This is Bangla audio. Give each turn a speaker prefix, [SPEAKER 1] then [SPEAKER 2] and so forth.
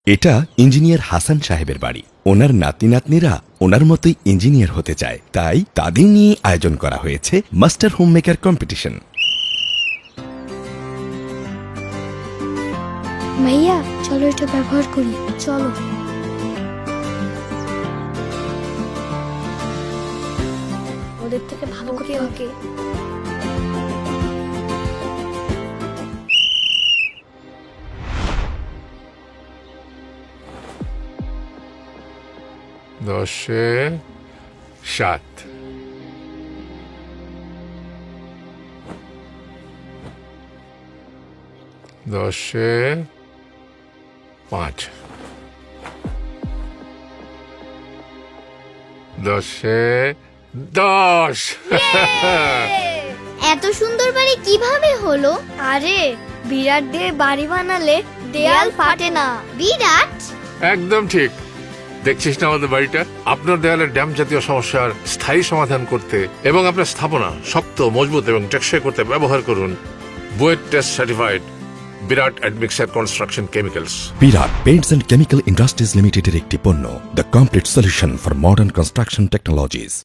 [SPEAKER 1] এটা ইঞ্জিনিয়ার হাসান সাহেবের বাড়ি। ওনার নাতি নাতনিরা ওনার মতোই ইঞ্জিনিয়ার হতে চায়, তাই তাদের নিয়ে আয়োজন করা হয়েছে মাস্টার হোম মেকার কম্পিটিশন।
[SPEAKER 2] ভাইয়া চলো এটা ব্যবহার করি, চলো। ওদের থেকে ভালো করে ওকে।
[SPEAKER 3] দশে সাত, দশে পাঁচ, দশে 10।
[SPEAKER 2] এত সুন্দর বাড়ি কিভাবে হলো? আরে বিরাট দিয়ে বাড়ি বানালে দেয়াল ফাটে না। বিরাট?
[SPEAKER 3] একদম ঠিক। দেখছিস না আমাদের বাড়িটা? আপনার দেয়ালের ড্যাম জাতীয় সমস্যার স্থায়ী সমাধান করতে এবং আপনার স্থাপনা শক্ত, মজবুত এবং টেকসই করতে ব্যবহার করুন BUET test certified Birat admixture construction chemicals.
[SPEAKER 1] Birat paints and chemical industries লিমিটেডের একটি পণ্য, the complete solution for modern construction technologies.